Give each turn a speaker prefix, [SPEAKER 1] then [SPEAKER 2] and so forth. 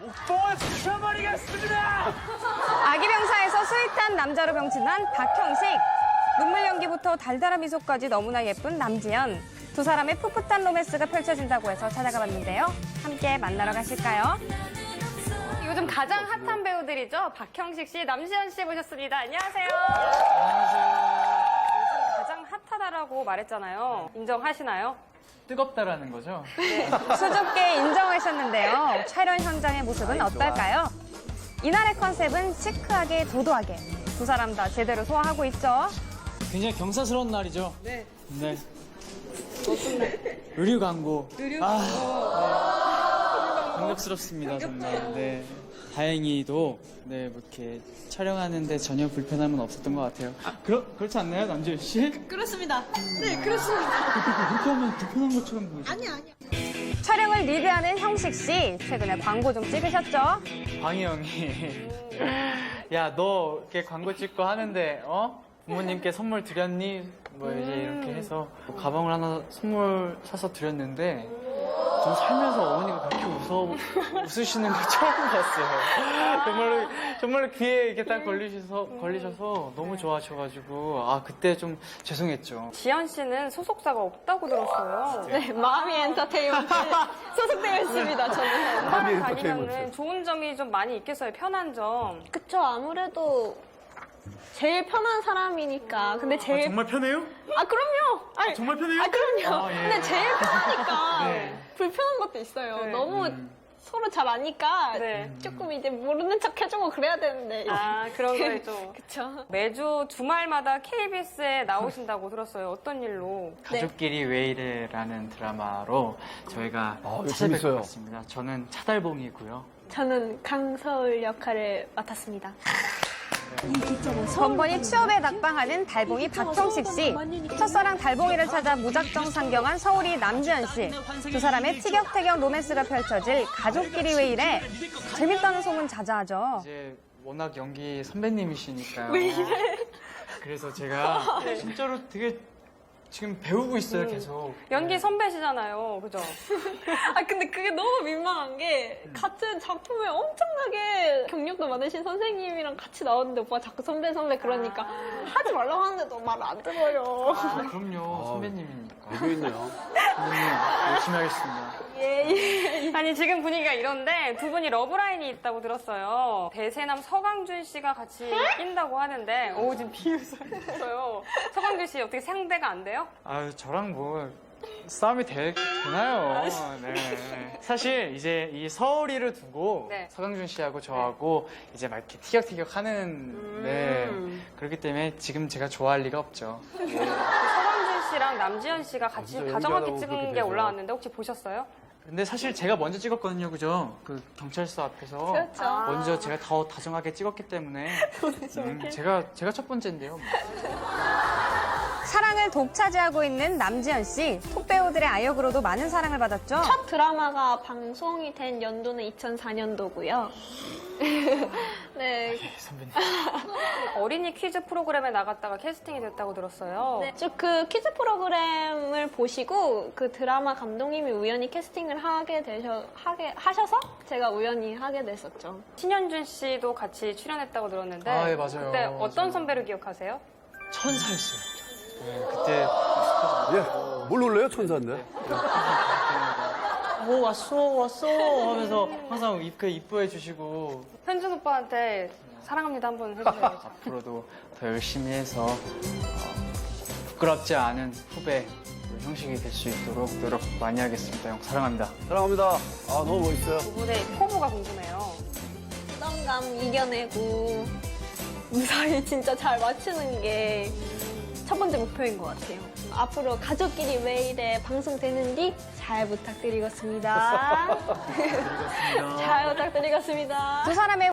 [SPEAKER 1] 부셔버리겠습니다.
[SPEAKER 2] 아기병사에서 스윗한 남자로 병신한 박형식. 눈물 연기부터 달달한 미소까지 너무나 예쁜 남지연. 두 사람의 풋풋한 로맨스가 펼쳐진다고 해서 찾아가 봤는데요. 함께 만나러 가실까요? 요즘 가장 핫한 배우들이죠. 박형식 씨, 남지연 씨 모셨습니다. 안녕하세요. 요즘 가장 핫하다라고 말했잖아요. 인정하시나요?
[SPEAKER 1] 뜨겁다라는 거죠?
[SPEAKER 2] 네, 수줍게 인정하셨는데요. 촬영 현장의 모습은 어떨까요? 이날의 컨셉은 시크하게 도도하게. 두 사람 다 제대로 소화하고 있죠.
[SPEAKER 3] 굉장히 경사스러운 날이죠.
[SPEAKER 2] 네.
[SPEAKER 3] 네. 의류 광고.
[SPEAKER 2] 의류
[SPEAKER 3] 광고. 감격스럽습니다, 정말. 네. 다행히도 네, 뭐 이렇게 촬영하는데 전혀 불편함은 없었던 것 같아요. 그렇지 않나요, 남지현 씨?
[SPEAKER 4] 그렇습니다. 네, 그렇습니다.
[SPEAKER 3] 그렇게 하면 불편한 것처럼 보이죠?
[SPEAKER 4] 아니야.
[SPEAKER 2] 촬영을 리드하는 형식 씨. 최근에 광고 좀 찍으셨죠?
[SPEAKER 1] 광희 형이 야, 너 이렇게 광고 찍고 하는데 부모님께 선물 드렸니? 뭐 이제 이렇게 해서 가방을 하나 선물 사서 드렸는데 전 살면서 어머니가 그렇게 웃으시는 거 처음 봤어요. 정말로 귀에 이렇게 딱 걸리셔서 너무 좋아하셔가지고 그때 좀 죄송했죠.
[SPEAKER 2] 지연 씨는 소속사가 없다고 들었어요.
[SPEAKER 4] 네, 마미 엔터테인먼트 소속되어 있습니다, 저는.
[SPEAKER 2] 회사를 다니면은 좋은 점이 좀 많이 있겠어요. 편한 점.
[SPEAKER 4] 그쵸, 아무래도 제일 편한 사람이니까. 근데 제일.
[SPEAKER 1] 정말 편해요?
[SPEAKER 4] 그럼요! 아니,
[SPEAKER 1] 정말 편해요?
[SPEAKER 4] 그럼요.
[SPEAKER 1] 예.
[SPEAKER 4] 근데 제일 편하니까
[SPEAKER 1] 네.
[SPEAKER 4] 불편한 것도 있어요.
[SPEAKER 2] 네.
[SPEAKER 4] 너무 서로 잘 아니까
[SPEAKER 2] 네.
[SPEAKER 4] 조금 이제 모르는 척 해주고 그래야 되는데.
[SPEAKER 2] 그런 거에 좀.
[SPEAKER 4] 그쵸.
[SPEAKER 2] 매주 주말마다 KBS에 나오신다고 들었어요. 어떤 일로?
[SPEAKER 1] 가족끼리 왜 이래라는 드라마로 저희가
[SPEAKER 5] 이거
[SPEAKER 1] 찾아뵐
[SPEAKER 5] 재밌어요.
[SPEAKER 1] 것 같습니다. 저는 차달봉이고요.
[SPEAKER 4] 저는 강서울 역할을 맡았습니다.
[SPEAKER 2] 번번이 취업에 낙방하는 달봉이 박형식 씨. 첫사랑 달봉이를 찾아 무작정 상경한 서울이 남지연 씨. 두 사람의 티격태격 로맨스가 펼쳐질 가족끼리 왜 이래? 재밌다는 소문 자자하죠.
[SPEAKER 1] 이제 워낙 연기 선배님이시니까요. 왜 이래? 그래서 제가 진짜로 되게 지금 배우고 있어요, 계속.
[SPEAKER 2] 연기 선배시잖아요. 그죠?
[SPEAKER 4] 근데 그게 너무 민망한 게 같은 작품에 엄청나게 경력도 많으신 선생님이랑 같이 나왔는데 오빠가 자꾸 선배 그러니까 하지 말라고 하는데도 말 안 들어요.
[SPEAKER 1] 그럼요, 선배님이니까.
[SPEAKER 5] 알고 있네요.
[SPEAKER 1] 선배님, 열심히 하겠습니다.
[SPEAKER 4] 예.
[SPEAKER 2] 아니 지금 분위기가 이런데 두 분이 러브라인이 있다고 들었어요. 대세남 서강준 씨가 같이 낀다고 하는데 지금 비웃어요. 서강준 씨 어떻게 상대가 안 돼요?
[SPEAKER 1] 저랑 뭐 싸움이 되나요? 네. 사실 이제 이 서울이를 두고
[SPEAKER 2] 네.
[SPEAKER 1] 서강준 씨하고 저하고 이제 막 이렇게 티격태격 하는 네. 그렇기 때문에 지금 제가 좋아할 리가 없죠.
[SPEAKER 2] 서강준 씨랑 남지연 씨가 같이
[SPEAKER 5] 진짜
[SPEAKER 2] 다정하게
[SPEAKER 5] 연기하다고
[SPEAKER 2] 찍은
[SPEAKER 5] 그렇게
[SPEAKER 2] 게
[SPEAKER 5] 되죠.
[SPEAKER 2] 올라왔는데 혹시 보셨어요?
[SPEAKER 1] 근데 사실 제가 먼저 찍었거든요, 그죠? 그 경찰서 앞에서
[SPEAKER 4] 그렇죠.
[SPEAKER 1] 먼저 제가 더 다정하게 찍었기 때문에 제가 첫 번째인데요.
[SPEAKER 2] 사랑을 독차지하고 있는 남지연 씨. 톡배우들의 아역으로도 많은 사랑을 받았죠.
[SPEAKER 4] 첫 드라마가 방송이 된 연도는 2004년도고요. 네.
[SPEAKER 1] 선배님.
[SPEAKER 2] 어린이 퀴즈 프로그램에 나갔다가 캐스팅이 됐다고 들었어요.
[SPEAKER 4] 네, 쭉 그 퀴즈 프로그램을 보시고 그 드라마 감독님이 우연히 캐스팅을 하셔서 제가 우연히 하게 됐었죠.
[SPEAKER 2] 신현준 씨도 같이 출연했다고 들었는데
[SPEAKER 1] 예, 맞아요.
[SPEAKER 2] 그때 어떤
[SPEAKER 1] 맞아요.
[SPEAKER 2] 선배로 기억하세요?
[SPEAKER 1] 천사였어요. 네, 그때
[SPEAKER 5] 예, 뭘 놀래요, 천사인데?
[SPEAKER 1] 왔어 하면서 항상 이뻐해 주시고
[SPEAKER 2] 현준 오빠한테 사랑합니다 한번 해주세요.
[SPEAKER 1] 앞으로도 더 열심히 해서 부끄럽지 않은 후배 형식이 될 수 있도록 노력 많이 하겠습니다. 형 사랑합니다.
[SPEAKER 5] 사랑합니다. 너무 멋있어요.
[SPEAKER 2] 두 분의 포부가 궁금해요.
[SPEAKER 4] 부담감 이겨내고 무사히 진짜 잘 맞추는 게 첫 번째 목표인 것 같아요. 앞으로 가족끼리 왜 이래 방송되는 뒤 잘 부탁드리겠습니다. 잘 부탁드리겠습니다.
[SPEAKER 2] 두 사람의